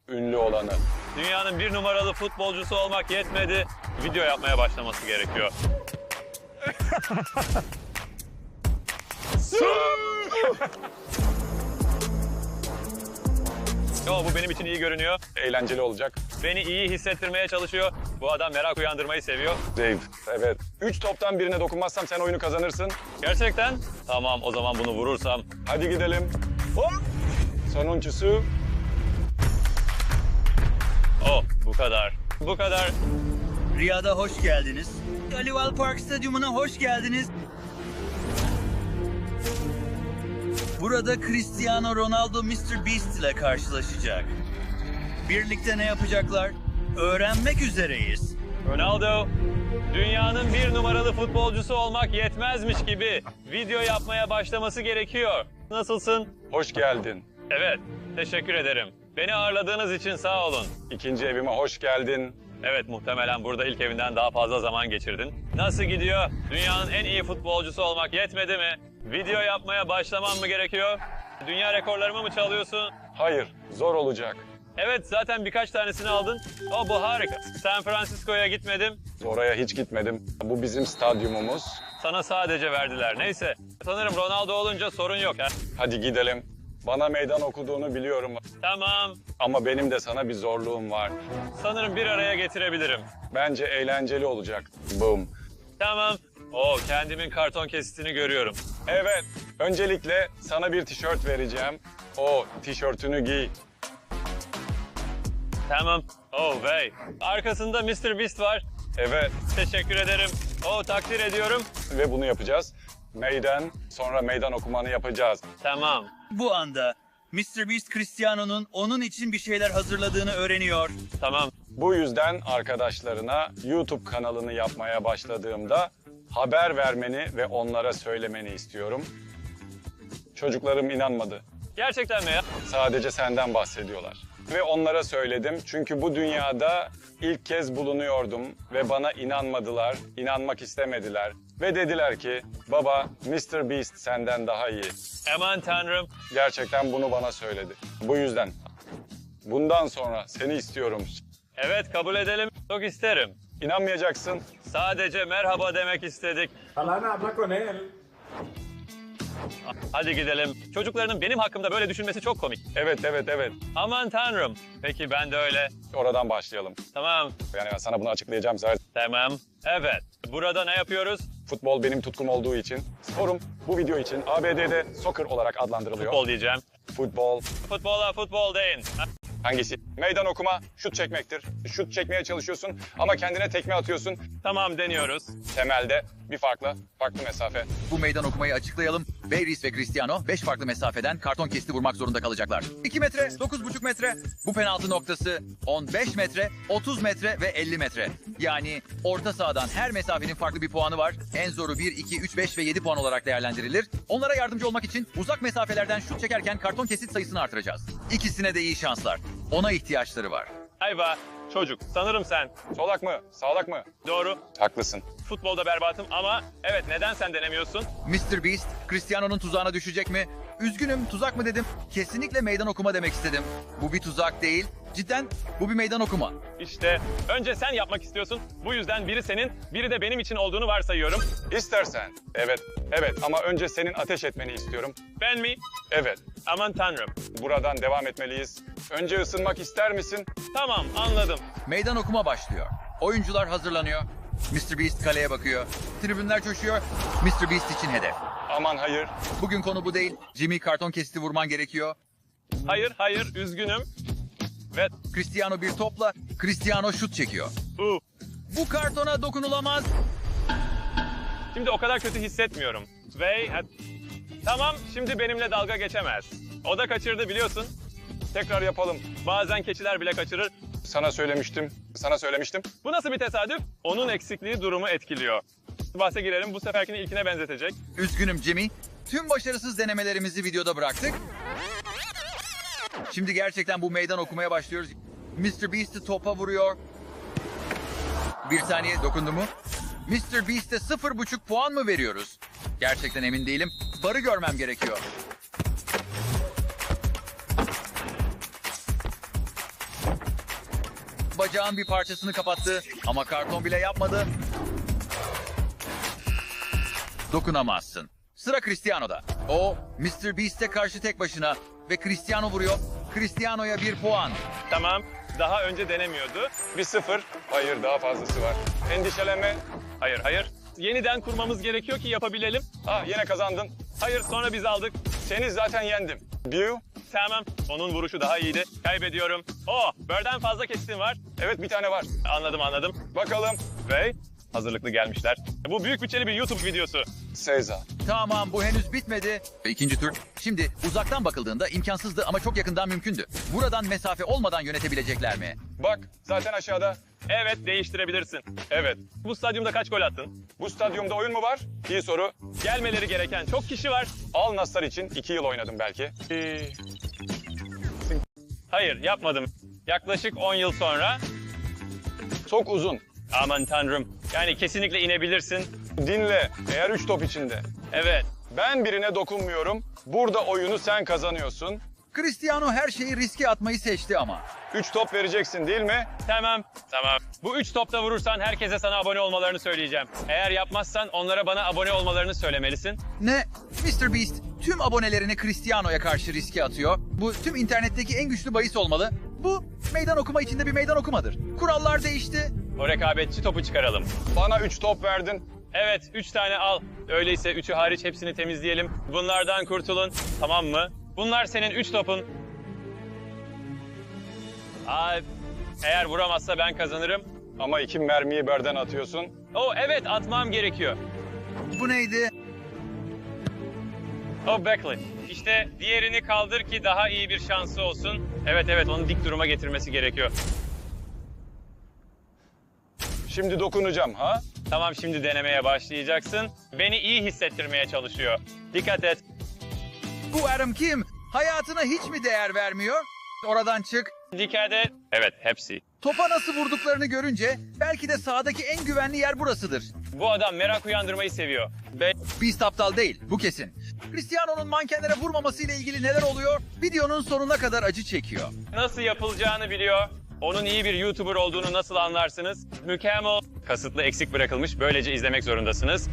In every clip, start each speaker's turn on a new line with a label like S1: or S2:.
S1: ünlü olanı.
S2: Dünyanın bir numaralı futbolcusu olmak yetmedi. Video yapmaya başlaması gerekiyor. Yo, bu benim için iyi görünüyor.
S1: Eğlenceli olacak.
S2: Beni iyi hissettirmeye çalışıyor. Bu adam merak uyandırmayı seviyor.
S1: Dave, evet. 3 toptan birine dokunmazsam sen oyunu kazanırsın.
S2: Gerçekten? Tamam, o zaman bunu vurursam.
S1: Hadi gidelim. Hop! Sonuncusu.
S2: Oh, bu kadar. Bu kadar.
S3: Riyad'a hoş geldiniz. Alival Park Stadyumuna hoş geldiniz. Burada Cristiano Ronaldo Mr. Beast ile karşılaşacak. Birlikte ne yapacaklar? Öğrenmek üzereyiz.
S2: Ronaldo, dünyanın bir numaralı futbolcusu olmak yetmezmiş gibi video yapmaya başlaması gerekiyor. Nasılsın?
S1: Hoş geldin.
S2: Evet, teşekkür ederim. Beni ağırladığınız için sağ olun.
S1: İkinci evime hoş geldin.
S2: Evet, muhtemelen burada ilk evinden daha fazla zaman geçirdin. Nasıl gidiyor? Dünyanın en iyi futbolcusu olmak yetmedi mi? Video yapmaya başlamam mı gerekiyor? Dünya rekorlarımı mı çalıyorsun?
S1: Hayır, zor olacak.
S2: Evet, zaten birkaç tanesini aldın. Oh, bu harika. San Francisco'ya gitmedim.
S1: Oraya hiç gitmedim. Bu bizim stadyumumuz.
S2: Sana sadece verdiler. Neyse, sanırım Ronaldo olunca sorun yok. Ha?
S1: Hadi gidelim. Bana meydan okuduğunu biliyorum.
S2: Tamam,
S1: Ama benim de sana bir zorluğum var.
S2: sanırım bir araya getirebilirim.
S1: Bence eğlenceli olacak. Boom.
S2: Tamam. Oo, kendimin karton kesitini görüyorum.
S1: Evet, öncelikle sana bir tişört vereceğim. O tişörtünü giy.
S2: Tamam. Oh vey. Arkasında Mr. Beast var.
S1: Evet,
S2: Teşekkür ederim. Oh, takdir ediyorum.
S1: ve bunu yapacağız. Sonra meydan okumanı yapacağız.
S2: Tamam.
S3: Bu anda Mr. Beast Cristiano'nun onun için bir şeyler hazırladığını öğreniyor.
S2: Tamam.
S1: Bu yüzden arkadaşlarına YouTube kanalını yapmaya başladığımda haber vermeni ve onlara söylemeni istiyorum. Çocuklarım inanmadı.
S2: Gerçekten mi ya?
S1: Sadece senden bahsediyorlar. Ve onlara söyledim çünkü bu dünyada ilk kez bulunuyordum ve bana inanmadılar, inanmak istemediler. Ve dediler ki, baba Mr. Beast senden daha iyi.
S2: Aman tanrım.
S1: Gerçekten bunu bana söyledi. Bu yüzden bundan sonra seni istiyorum.
S2: Evet, kabul edelim. Çok isterim.
S1: İnanmayacaksın.
S2: Sadece merhaba demek istedik.
S4: Alana habla con él.
S2: Hadi gidelim. Çocuklarının benim hakkımda böyle düşünmesi çok komik.
S1: Evet, evet, evet.
S2: Aman tanrım. Peki ben de öyle.
S1: Oradan başlayalım.
S2: Tamam.
S1: Yani ben sana bunu açıklayacağım zaten.
S2: Tamam. Evet. Burada ne yapıyoruz?
S1: Futbol benim tutkum olduğu için, sporum bu video için ABD'de soccer olarak adlandırılıyor.
S2: Futbol diyeceğim.
S1: Futbol.
S2: Futbola futbol deyin. Ha,
S1: Hangisi? Meydan okuma, şut çekmektir. Şut çekmeye çalışıyorsun ama kendine tekme atıyorsun.
S2: Tamam, deniyoruz.
S1: Temelde bir farklı mesafe.
S5: Bu meydan okumayı açıklayalım. Bayris ve Cristiano 5 farklı mesafeden karton kesti vurmak zorunda kalacaklar. 2 metre, 9,5 metre. Bu penaltı noktası 15 metre, 30 metre ve 50 metre. Yani orta sahadan her mesafenin farklı bir puanı var. En zoru 1, 2, 3, 5 ve 7 puan olarak değerlendirilir. Onlara yardımcı olmak için uzak mesafelerden şut çekerken karton kesit sayısını artıracağız. İkisine de iyi şanslar. Ona ihtiyaçları var.
S2: Ayva. Çocuk. Sanırım sen.
S1: Solak mı? Sağlak mı?
S2: Doğru.
S1: Haklısın.
S2: Futbolda berbatım ama evet, neden sen denemiyorsun?
S5: Mr. Beast, Cristiano'nun tuzağına düşecek mi? Üzgünüm, tuzak mı dedim? Kesinlikle meydan okuma demek istedim. Bu bir tuzak değil. Cidden bu bir meydan okuma.
S2: İşte önce sen yapmak istiyorsun. Bu yüzden biri senin, biri de benim için olduğunu varsayıyorum.
S1: İstersen. Evet, evet ama önce senin ateş etmeni istiyorum.
S2: Ben mi?
S1: Evet,
S2: Aman tanrım.
S1: buradan devam etmeliyiz. Önce ısınmak ister misin?
S2: Tamam, anladım.
S5: Meydan okuma başlıyor. Oyuncular hazırlanıyor. Mr. Beast kaleye bakıyor. Tribünler coşuyor. Mr. Beast için hedef.
S1: Aman hayır.
S5: Bugün konu bu değil. Jimmy karton kesiti vurman gerekiyor.
S2: Hayır, üzgünüm. Ve
S5: Cristiano bir topla. Cristiano şut çekiyor.
S2: bu.
S5: Bu kartona dokunulamaz.
S2: Şimdi o kadar kötü hissetmiyorum. Tamam, şimdi benimle dalga geçemez. O da kaçırdı, biliyorsun.
S1: Tekrar yapalım.
S2: Bazen keçiler bile kaçırır.
S1: Sana söylemiştim.
S2: Bu nasıl bir tesadüf? Onun eksikliği durumu etkiliyor. Bahse girelim, bu seferkini ilkine benzetecek.
S5: Üzgünüm Jimmy. Tüm başarısız denemelerimizi videoda bıraktık. Şimdi gerçekten bu meydan okumaya başlıyoruz. Mr. Beast'i topa vuruyor. Bir saniye, dokundu mu? Mr. Beast'e 0,5 puan mı veriyoruz? Gerçekten emin değilim. Barı görmem gerekiyor. bacağın bir parçasını kapattı ama karton bile yapmadı. Dokunamazsın. Sıra Cristiano'da. O, Mr. Beast'e karşı tek başına ve Cristiano vuruyor. Cristiano'ya 1 puan.
S2: Tamam. Daha önce denemiyordu.
S1: 1-0. Hayır, daha fazlası var. Endişelenme.
S2: Hayır, hayır. Yeniden kurmamız gerekiyor ki yapabilelim.
S1: Yine kazandın.
S2: Hayır, sonra biz aldık.
S1: Seni zaten yendim. Bill.
S2: Tamam. Onun vuruşu daha iyiydi. Kaybediyorum. Bird'den fazla kestim var.
S1: Evet, bir tane var.
S2: Anladım.
S1: Bakalım.
S2: Ve hazırlıklı gelmişler. Bu büyük bütçeli bir YouTube videosu.
S1: Seyza.
S5: Tamam, bu henüz bitmedi. Ve ikinci tur. Şimdi uzaktan bakıldığında imkansızdı ama çok yakından mümkündü. Buradan mesafe olmadan yönetebilecekler mi?
S1: Bak, zaten aşağıda.
S2: Evet, değiştirebilirsin.
S1: Evet.
S2: Bu stadyumda kaç gol attın?
S1: Bu stadyumda oyun mu var? İyi soru.
S2: Gelmeleri gereken çok kişi var.
S1: Al Nassar için 2 yıl oynadım belki.
S2: Hayır, yapmadım. Yaklaşık 10 yıl sonra.
S1: Çok uzun.
S2: Aman tanrım. Yani kesinlikle inebilirsin.
S1: Dinle. Eğer 3 top içinde.
S2: Evet.
S1: Ben birine dokunmuyorum. Burada oyunu sen kazanıyorsun.
S5: Cristiano her şeyi riske atmayı seçti ama.
S1: 3 top vereceksin değil mi?
S2: Tamam. Bu 3 topta vurursan herkese sana abone olmalarını söyleyeceğim. Eğer yapmazsan onlara bana abone olmalarını söylemelisin.
S5: Ne? Mr. Beast tüm abonelerini Cristiano'ya karşı riske atıyor. Bu tüm internetteki en güçlü bahis olmalı. Bu meydan okuma içinde bir meydan okumadır. Kurallar değişti.
S2: O rekabetçi topu çıkaralım.
S1: Bana 3 top verdin.
S2: Evet, 3 tane al. Öyleyse 3'ü hariç hepsini temizleyelim. Bunlardan kurtulun. Tamam mı? Bunlar senin 3 topun. Eğer vuramazsa ben kazanırım.
S1: Ama 2 mermiyi birden atıyorsun.
S2: Evet, atmam gerekiyor.
S5: Bu neydi?
S2: Beckley. İşte diğerini kaldır ki daha iyi bir şansı olsun. Evet, onu dik duruma getirmesi gerekiyor.
S1: Şimdi dokunacağım ha?
S2: Tamam, şimdi denemeye başlayacaksın. Beni iyi hissettirmeye çalışıyor. Dikkat et.
S5: Bu Adam kim? Hayatına hiç mi değer vermiyor? Oradan çık.
S2: Dikkat et. Evet, hepsi.
S5: Topa nasıl vurduklarını görünce belki de sahadaki en güvenli yer burasıdır.
S2: Bu adam merak uyandırmayı seviyor.
S5: Beast aptal değil, bu kesin. Cristiano'nun mankenlere vurmamasıyla ilgili neler oluyor? Videonun sonuna kadar acı çekiyor.
S2: Nasıl yapılacağını biliyor. Onun iyi bir YouTuber olduğunu nasıl anlarsınız? Mükemmel. Kasıtlı eksik bırakılmış. Böylece izlemek zorundasınız.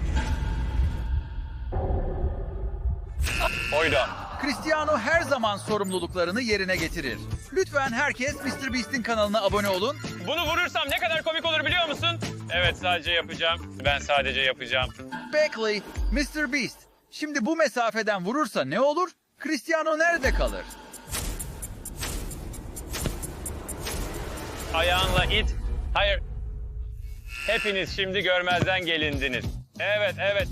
S1: Oyda.
S5: Cristiano her zaman sorumluluklarını yerine getirir. Lütfen herkes Mr. Beast'in kanalına abone olun.
S2: Bunu vurursam ne kadar komik olur biliyor musun? Evet, sadece yapacağım. Ben sadece yapacağım.
S5: Beckley, Mr. Beast. Şimdi bu mesafeden vurursa ne olur? Cristiano nerede kalır?
S2: Ayağınla it. Hayır. Hepiniz şimdi görmezden gelindiniz. Evet.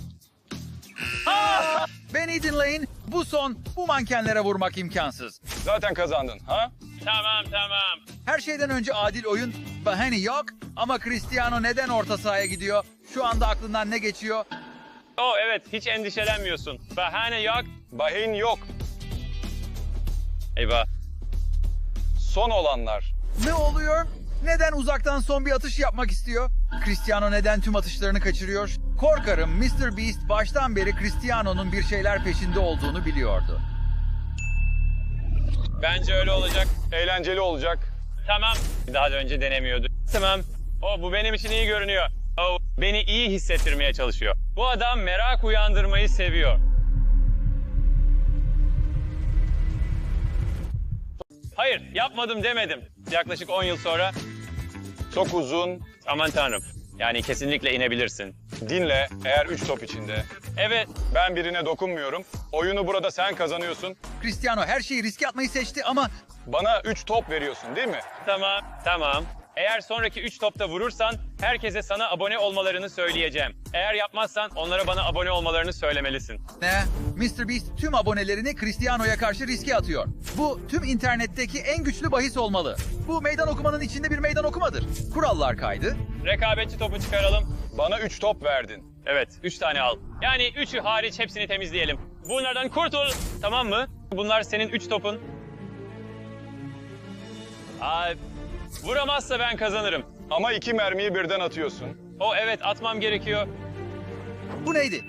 S5: Beni dinleyin. Bu son. Bu mankenlere vurmak imkansız.
S1: Zaten kazandın ha?
S2: Tamam.
S5: Her şeyden önce adil oyun. Bahane yok. Ama Cristiano neden orta sahaya gidiyor? Şu anda aklından ne geçiyor?
S2: Evet, hiç endişelenmiyorsun. Bahane yok.
S1: Bahane yok.
S2: Eyvah.
S1: Son olanlar.
S5: Ne oluyor? Neden uzaktan son bir atış yapmak istiyor? Cristiano neden tüm atışlarını kaçırıyor? Korkarım Mr. Beast baştan beri Cristiano'nun bir şeyler peşinde olduğunu biliyordu.
S2: Bence öyle olacak.
S1: Eğlenceli olacak.
S2: Tamam. Daha da önce denemiyordu. Tamam. Bu benim için iyi görünüyor. Beni iyi hissettirmeye çalışıyor. Bu adam merak uyandırmayı seviyor. Hayır, yapmadım demedim. Yaklaşık 10 yıl sonra.
S1: Çok uzun.
S2: Aman tanrım. Yani kesinlikle inebilirsin.
S1: Dinle. Eğer 3 top içinde.
S2: Evet.
S1: Ben birine dokunmuyorum. Oyunu burada sen kazanıyorsun.
S5: Cristiano her şeyi riske atmayı seçti ama
S1: Bana 3 top veriyorsun değil mi?
S2: Tamam. Eğer sonraki 3 topta vurursan herkese sana abone olmalarını söyleyeceğim. Eğer yapmazsan onlara bana abone olmalarını söylemelisin.
S5: ne? Mr. Beast tüm abonelerini Cristiano'ya karşı riske atıyor. Bu tüm internetteki en güçlü bahis olmalı. Bu meydan okumanın içinde bir meydan okumadır. Kurallar kaydı.
S2: Rekabetçi topu çıkaralım.
S1: Bana 3 top verdin.
S2: Evet, 3 tane al. Yani 3'ü hariç hepsini temizleyelim. Bunlardan kurtul, tamam mı? Bunlar senin 3 topun. Vuramazsa ben kazanırım.
S1: Ama 2 mermiyi birden atıyorsun.
S2: Evet, atmam gerekiyor.
S5: Bu neydi?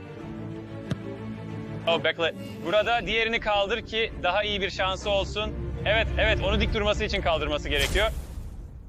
S2: Bekle. Burada diğerini kaldır ki daha iyi bir şansı olsun. Evet, onu dik durması için kaldırması gerekiyor.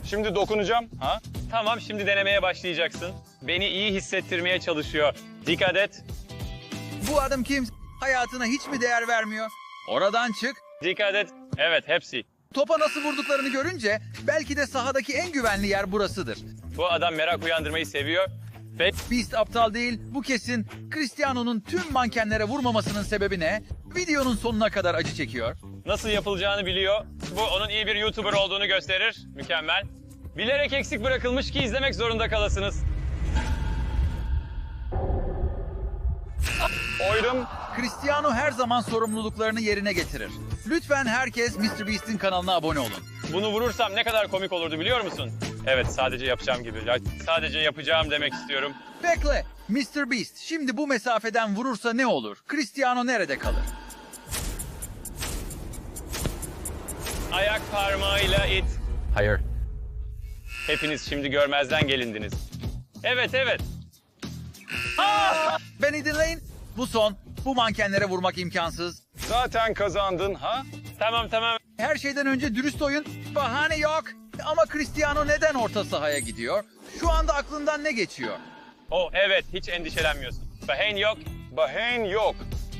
S1: Şimdi dokunacağım. Ha?
S2: Tamam, şimdi denemeye başlayacaksın. Beni iyi hissettirmeye çalışıyor. Dikkat et.
S5: Bu adam kim? Hayatına hiç mi değer vermiyor? Oradan çık.
S2: Dikkat et. Evet, hepsi.
S5: Topa nasıl vurduklarını görünce belki de sahadaki en güvenli yer burasıdır.
S2: Bu adam merak uyandırmayı seviyor. Ve
S5: Beast aptal değil, bu kesin. Cristiano'nun tüm mankenlere vurmamasının sebebi ne? Videonun sonuna kadar acı çekiyor.
S2: nasıl yapılacağını biliyor. Bu onun iyi bir YouTuber olduğunu gösterir. Mükemmel. Bilerek eksik bırakılmış ki izlemek zorunda kalasınız.
S1: Oyrum.
S5: Cristiano her zaman sorumluluklarını yerine getirir. Lütfen herkes MrBeast'in kanalına abone olun.
S2: Bunu vurursam ne kadar komik olurdu biliyor musun? Evet, sadece yapacağım gibi. Ya, sadece yapacağım demek istiyorum.
S5: Bekle, MrBeast şimdi bu mesafeden vurursa ne olur? Cristiano nerede kalır?
S2: Ayak parmağıyla it.
S5: Hayır.
S2: Hepiniz şimdi görmezden gelindiniz. Evet, evet.
S5: Beni dinleyin. Bu son. Bu mankenlere vurmak imkansız.
S1: Zaten kazandın ha?
S2: Tamam, tamam.
S5: Her şeyden önce dürüst oyun. Bahane yok. Ama Cristiano neden orta sahaya gidiyor? Şu anda aklından ne geçiyor?
S2: Oh evet, hiç endişelenmiyorsun. Bahane yok.
S1: Bahreyn yok.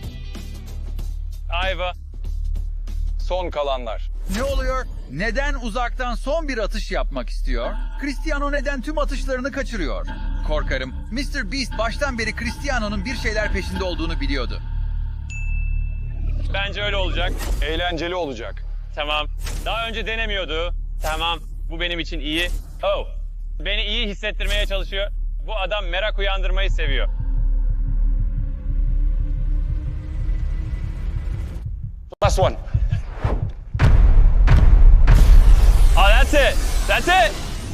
S2: Ayva.
S1: Son kalanlar.
S5: Ne oluyor? Neden uzaktan son bir atış yapmak istiyor? Cristiano neden tüm atışlarını kaçırıyor? Korkarım MrBeast baştan beri Cristiano'nun bir şeyler peşinde olduğunu biliyordu.
S2: Bence öyle olacak.
S1: Eğlenceli olacak.
S2: Tamam. Daha önce denemiyordu. Tamam. Bu benim için iyi. Oh. Beni iyi hissettirmeye çalışıyor. Bu adam merak uyandırmayı seviyor.
S1: Last one.
S2: Oh, that's it. That's it.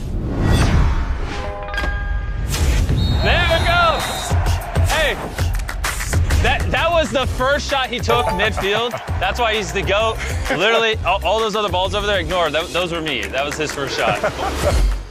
S2: There we go. Hey. That was the first shot he took midfield. That's why he's the GOAT. Literally, all those other balls over there, ignore. Those were me. That was his first shot.